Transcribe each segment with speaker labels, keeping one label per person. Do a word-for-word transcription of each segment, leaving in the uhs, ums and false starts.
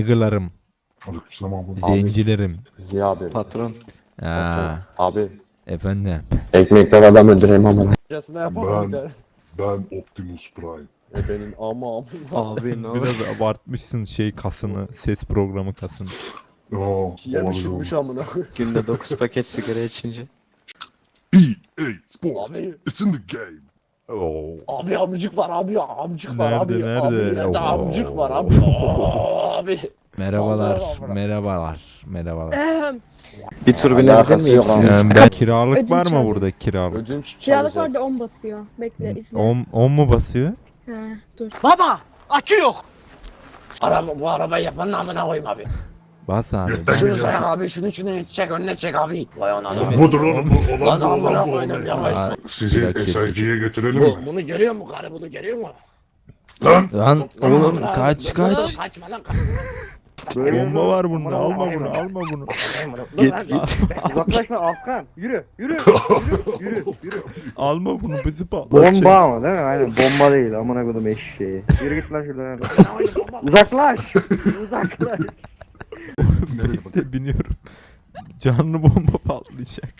Speaker 1: Nigger'larım,
Speaker 2: Aleykümselam abi.
Speaker 1: zencilerim.
Speaker 3: Ziya abi.
Speaker 4: Patron.
Speaker 1: Aa,
Speaker 3: Abi.
Speaker 1: efendim.
Speaker 3: Ekmekten adam öldüreyim ama. Yasına yapamam bir
Speaker 2: Ben,
Speaker 3: de.
Speaker 2: ben Optimus Prime.
Speaker 3: E benim ama ama.
Speaker 4: Abi ne
Speaker 1: Biraz abartmışsın şey kasını, ses programı kasını.
Speaker 2: Aa,
Speaker 3: Yemiş yutmuş amına.
Speaker 4: Günde dokuz paket sigara içince.
Speaker 2: E A Sport.
Speaker 3: Abi.
Speaker 2: It's in the game.
Speaker 1: Oo.
Speaker 3: Abi amcık var abi amcık var
Speaker 1: Nerede,
Speaker 3: abi.
Speaker 1: nerede?
Speaker 3: Abi nerede
Speaker 1: Oo.
Speaker 3: amcık var abi. Abi.
Speaker 1: Merhabalar,
Speaker 3: Saldırı var.
Speaker 1: merhabalar, merhabalar.
Speaker 5: Ehem,
Speaker 4: Bir tur
Speaker 3: Alakası
Speaker 4: binebilir miyim
Speaker 3: yok
Speaker 4: siz?
Speaker 1: Yani ben kiralık
Speaker 5: Ödünç
Speaker 1: var mı
Speaker 5: alacağım.
Speaker 1: burada kiralık?
Speaker 3: Ödünç
Speaker 5: Kiralık
Speaker 3: çalacağız.
Speaker 5: orada on basıyor. Bekle izle.
Speaker 1: On, on mu basıyor?
Speaker 5: He dur.
Speaker 6: Baba akü yok.
Speaker 3: Araba, bu arabayı yapanın amına koyayım abi.
Speaker 1: Bas abi.
Speaker 2: Yeter.
Speaker 3: Şunu say abi şunu şunu çek önüne çek abi. Vay ananı.
Speaker 2: Budur oğlum bu.
Speaker 3: Lan
Speaker 2: Olan bu
Speaker 3: amına
Speaker 2: olan bu.
Speaker 3: koydum
Speaker 2: olan.
Speaker 3: yavaş.
Speaker 1: Aa,
Speaker 2: Sizi
Speaker 1: Bir dakika.
Speaker 2: S I G'ye götürelim
Speaker 3: Bu,
Speaker 2: mi?
Speaker 3: bunu görüyor mu karı bunu görüyor mu?
Speaker 2: Lan!
Speaker 1: Lan oğlum
Speaker 3: Lan,
Speaker 1: kaç
Speaker 3: lan,
Speaker 1: kaç.
Speaker 3: Kaçma lan kaç.
Speaker 1: Bomba var bunda, alma bunu, alma bunu.
Speaker 6: Uzaklaşma Afgan. Yürü yürü yürü yürü.
Speaker 1: Alma bunu, bizi patlatacak.
Speaker 6: Bomba ama değil mi? Aynen bomba değil amına koydum eşeği. Yürü git lan şuradan. Uzaklaş. Uzaklaş.
Speaker 1: Birlikte biniyorum. Canlı bomba patlayacak.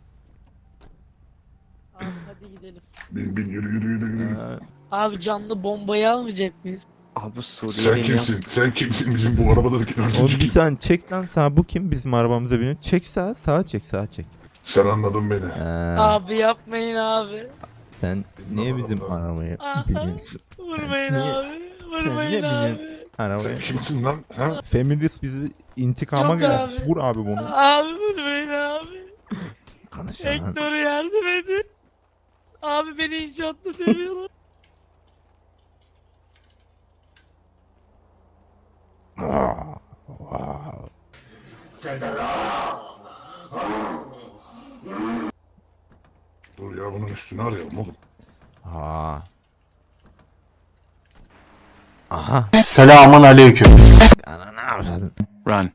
Speaker 7: Abi hadi gidelim.
Speaker 2: Bin bin yürü yürü yürü yürü.
Speaker 1: Ha,
Speaker 7: Abi canlı bombayı almayacak mıyız?
Speaker 4: Abi
Speaker 2: Sen
Speaker 4: Suriyeliyim ya.
Speaker 2: kimsin? Sen kimsin bizim bu arabadaki
Speaker 1: Oğlum
Speaker 2: dördüncü
Speaker 1: bir
Speaker 2: kim?
Speaker 1: tane çek lan sağa, bu kim bizim arabamıza biniyor? Çek sağa, sağa çek, sağa çek.
Speaker 2: Sen anladın beni.
Speaker 1: Ha,
Speaker 7: Abi yapmayın abi.
Speaker 1: sen niye bizim arabaya
Speaker 7: Aha.
Speaker 1: biniyorsun?
Speaker 7: Vurmayın
Speaker 1: niye-
Speaker 7: abi.
Speaker 1: sen
Speaker 7: Vurmayın
Speaker 1: niye
Speaker 7: abi.
Speaker 1: Arabaya.
Speaker 2: Sen kimsin lan? Ha?
Speaker 1: Feminist bizi intikama
Speaker 7: Yok
Speaker 1: gelmiş.
Speaker 7: abi.
Speaker 1: Vur abi bunu.
Speaker 7: Abi vurmayın abi.
Speaker 1: Konuşan lan.
Speaker 7: Ektor'a yardım edin. Abi beni inşaatta dövüyorlar.
Speaker 1: Aa, wow.
Speaker 2: Dur ya bunun üstünü arayalım oğlum.
Speaker 1: Aa. Aha.
Speaker 6: Selamun aleyküm.
Speaker 1: Ana ne yapıyorsun?
Speaker 4: Run.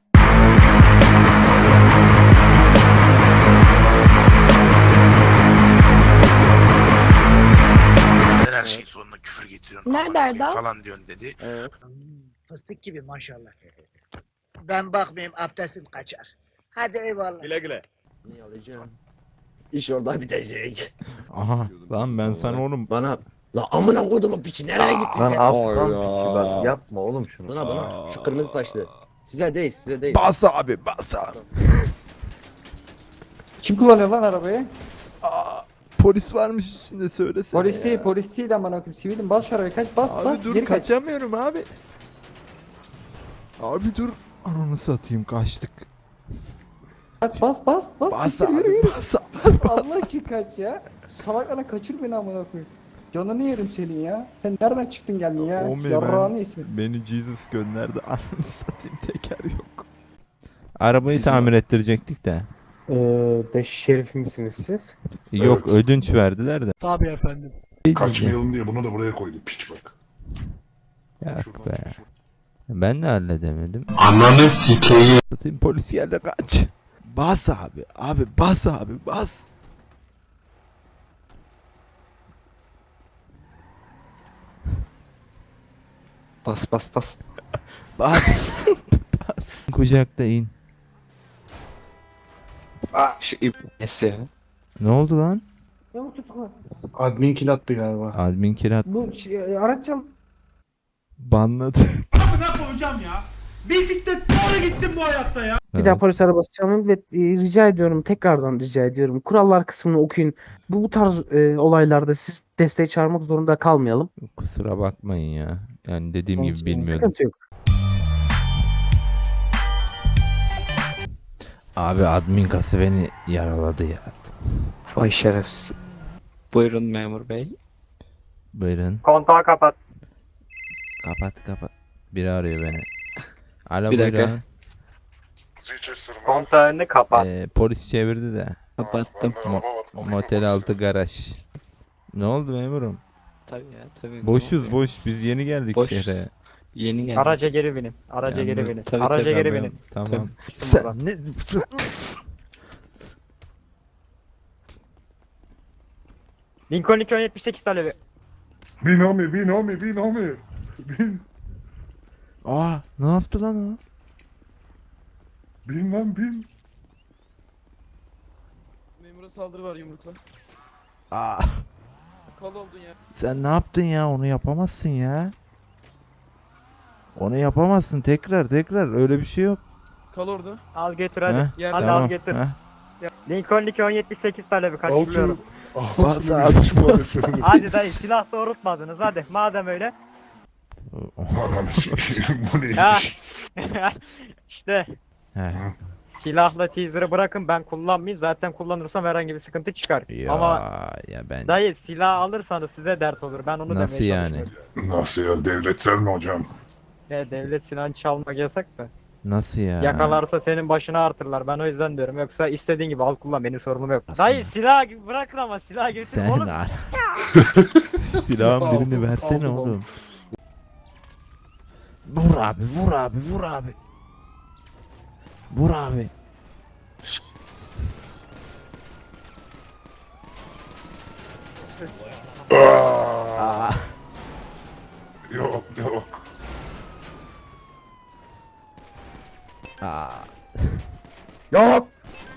Speaker 8: Her şeyin sonuna küfür getiriyorsun.
Speaker 5: Nerede
Speaker 8: aman
Speaker 5: Erdal?
Speaker 8: falan diyorsun dedi.
Speaker 3: Evet.
Speaker 9: Fıstık gibi maşallah. Ben bakmayayım abdestim kaçar. Hadi eyvallah.
Speaker 6: Güle güle.
Speaker 3: Ne alacağım? İş orada bitecek.
Speaker 1: Aha. Lan ben sana oğlum.
Speaker 3: Bana la amına kodumun piçi nereye gitti
Speaker 6: Lan
Speaker 3: sen?
Speaker 6: Afgan
Speaker 3: Ay
Speaker 6: piçi
Speaker 3: ya.
Speaker 6: bak yapma oğlum şunu.
Speaker 3: Buna buna şu kırmızı saçlı. Size değil size değil.
Speaker 1: Bas abi, bas abi.
Speaker 6: Kim kullanıyor lan arabayı?
Speaker 1: Aa, polis varmış içinde, söylesene.
Speaker 6: Polis değil
Speaker 1: ya.
Speaker 6: polis değil aman okuyayım sivilim bas şu arabayı kaç bas
Speaker 1: Abi
Speaker 6: bas
Speaker 1: dur,
Speaker 6: geri kaç.
Speaker 1: kaçamıyorum abi. Abi dur. Ananı satayım, kaçtık.
Speaker 6: Kaç bas bas bas
Speaker 1: Bas
Speaker 6: siktir, yürü
Speaker 1: abi,
Speaker 6: yürü.
Speaker 1: bas abi.
Speaker 6: Allah için kaç ya. Salaklarına kaçır beni amına koyayım. Canını yerim senin ya. Sen nereden çıktın geldin ya?
Speaker 1: Oğlum ya,
Speaker 6: Yarrağını
Speaker 1: ben-
Speaker 6: yesin.
Speaker 1: Beni Jesus gönderdi. Ananı satayım, teker yok. Arabayı tamir ettirecektik de.
Speaker 6: Eee de şerif misiniz siz?
Speaker 1: Yok,
Speaker 2: Evet.
Speaker 1: ödünç verdiler de.
Speaker 7: Tabii efendim.
Speaker 2: Kaçmayalım diye bunu da buraya koydum piç bak.
Speaker 1: Ya
Speaker 2: Şuradan
Speaker 1: be.
Speaker 2: piç.
Speaker 1: Ben de halledemedim.
Speaker 6: Ananı sikeyim.
Speaker 1: Satayım, polis geldi, kaç. Bas abi. Abi bas abi, bas.
Speaker 4: Bas bas bas.
Speaker 1: Bas. Bas. Kucakta in.
Speaker 4: Şu ip nesi ya?
Speaker 1: Ne oldu lan?
Speaker 6: Yok tutukla. Admin kill attı galiba.
Speaker 1: Admin kirat
Speaker 6: Bu şey, araç çal.
Speaker 1: banladı.
Speaker 10: Ne koyacağım ya? Bisiklet doğru gitsin bu hayatta ya.
Speaker 6: Bir daha polis arabası çalın ve e, rica ediyorum tekrardan rica ediyorum. Kurallar kısmını okuyun. Bu bu tarz e, olaylarda siz desteği çağırmak zorunda kalmayalım.
Speaker 1: Kusura bakmayın ya. Yani dediğim gibi bilmiyordum.
Speaker 6: Sıkıntı yok.
Speaker 1: Abi admin kası beni yaraladı ya.
Speaker 4: Vay şerefsiz. Buyurun memur bey.
Speaker 1: Buyurun.
Speaker 6: Kontağı kapat.
Speaker 1: Kapat kapat. Biri arıyor beni. Alo,
Speaker 4: Bir dakika.
Speaker 1: buyurun.
Speaker 2: Zichester mı?
Speaker 6: Kontağını kapat.
Speaker 1: Ee, polis çevirdi de.
Speaker 4: Kapattım.
Speaker 1: Mo- motel altı garaj. Ne oldu memurum?
Speaker 4: Tabii ya tabii.
Speaker 1: Boşuz boş. Biz yeni geldik
Speaker 4: Boşuz.
Speaker 1: şehre.
Speaker 4: Yeni geldim.
Speaker 6: Araca geri binin. Araca
Speaker 1: Yalnız-
Speaker 6: geri binin.
Speaker 4: Tabii,
Speaker 6: Araca
Speaker 4: tabii,
Speaker 6: geri
Speaker 1: Tamam,
Speaker 6: binin.
Speaker 1: Tamam.
Speaker 6: Gitsin
Speaker 1: Sen
Speaker 6: buradan.
Speaker 1: ne?
Speaker 6: Lincoln iki yüz yetmiş sekiz talebi.
Speaker 2: Bin homie bin homie bin homie. Bin.
Speaker 1: Aa, ne yaptı lan o?
Speaker 2: Bilmem bin.
Speaker 10: Memura saldırı var yumrukla.
Speaker 1: Aa,
Speaker 10: Kal oldun ya.
Speaker 1: sen ne yaptın ya? Onu yapamazsın ya. Onu yapamazsın tekrar tekrar öyle bir şey yok.
Speaker 10: Kal orada.
Speaker 11: Al götür
Speaker 1: Heh,
Speaker 11: hadi.
Speaker 10: Yerde
Speaker 11: Hadi
Speaker 1: tamam,
Speaker 11: al götür.
Speaker 1: heh.
Speaker 11: Lincoln iki on yetmiş sekiz talebi kaçırıyorum.
Speaker 1: Bas abi,
Speaker 11: Hadi dayı silah doğrultmadınız hadi madem öyle.
Speaker 2: Ananı sikeyim bu
Speaker 11: Ya.
Speaker 2: neymiş?
Speaker 11: işte
Speaker 1: Heh.
Speaker 11: silahla teaser'ı bırakın ben kullanmayayım. Zaten kullanırsam herhangi bir sıkıntı çıkar.
Speaker 1: Ya,
Speaker 11: Ama
Speaker 1: ya ben
Speaker 11: dayı silah alırsanız size dert olur. Ben onu
Speaker 1: nasıl
Speaker 11: demeye
Speaker 1: yani?
Speaker 11: çalışıyorum.
Speaker 2: Nasıl ya devletsel mi hocam?
Speaker 11: Ya, devlet silahını çalmak yasak mı?
Speaker 1: Nasıl ya?
Speaker 11: Yakalarsa senin başına artırlar. Ben o yüzden diyorum. Yoksa istediğin gibi al kullan benim sorunum yok. Dayı silah bırakın ama silah götür
Speaker 1: Sen
Speaker 11: oğlum.
Speaker 1: ara. Silahın birini
Speaker 2: Aldım,
Speaker 1: versene
Speaker 2: aldım,
Speaker 1: oğlum. Vur abi, vur abi, vur abi. Vur abi.
Speaker 2: Aa, yok yok.
Speaker 1: Aa.
Speaker 3: Yok.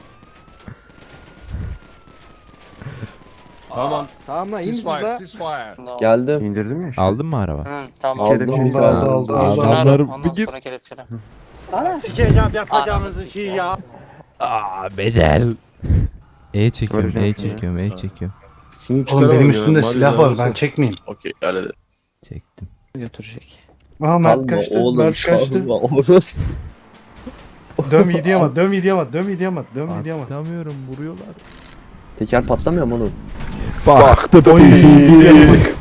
Speaker 12: Tamam. Tamam lan iyi misiniz
Speaker 2: Ceasefire,
Speaker 12: la?
Speaker 2: ceasefire.
Speaker 3: Geldim.
Speaker 12: İndirdin mi?
Speaker 1: Aldın mı araba?
Speaker 4: Hı, tamam.
Speaker 3: Aldım bir tane.
Speaker 12: aldı,
Speaker 4: Üstünü
Speaker 1: Adamlar
Speaker 4: ara, ondan
Speaker 1: bugün...
Speaker 4: sonra kelepçele.
Speaker 11: Sikeceğim yapacağınızı şey ya.
Speaker 1: Aa, bedel. E çekiyorum,
Speaker 12: Göreceğim
Speaker 1: E
Speaker 12: şimdi.
Speaker 1: çekiyorum, E çekiyorum.
Speaker 2: Şunu
Speaker 12: Oğlum benim üstümde silah var ben çekmeyeyim.
Speaker 8: Okey öyle de.
Speaker 1: Çektim.
Speaker 4: Götürecek.
Speaker 12: Aha Mert
Speaker 3: Kalma
Speaker 12: kaçtı.
Speaker 3: oğlum
Speaker 12: Mert kaçtı.
Speaker 3: kalma. Orası.
Speaker 12: Döm iyi diyemez, döm iyi diyemez, döm iyi diyemez, döm iyi diyemez.
Speaker 1: Atamıyorum, vuruyorlar.
Speaker 3: Teker patlamıyor mu oğlum?
Speaker 1: Baktı
Speaker 12: Oy, iyi diyemez.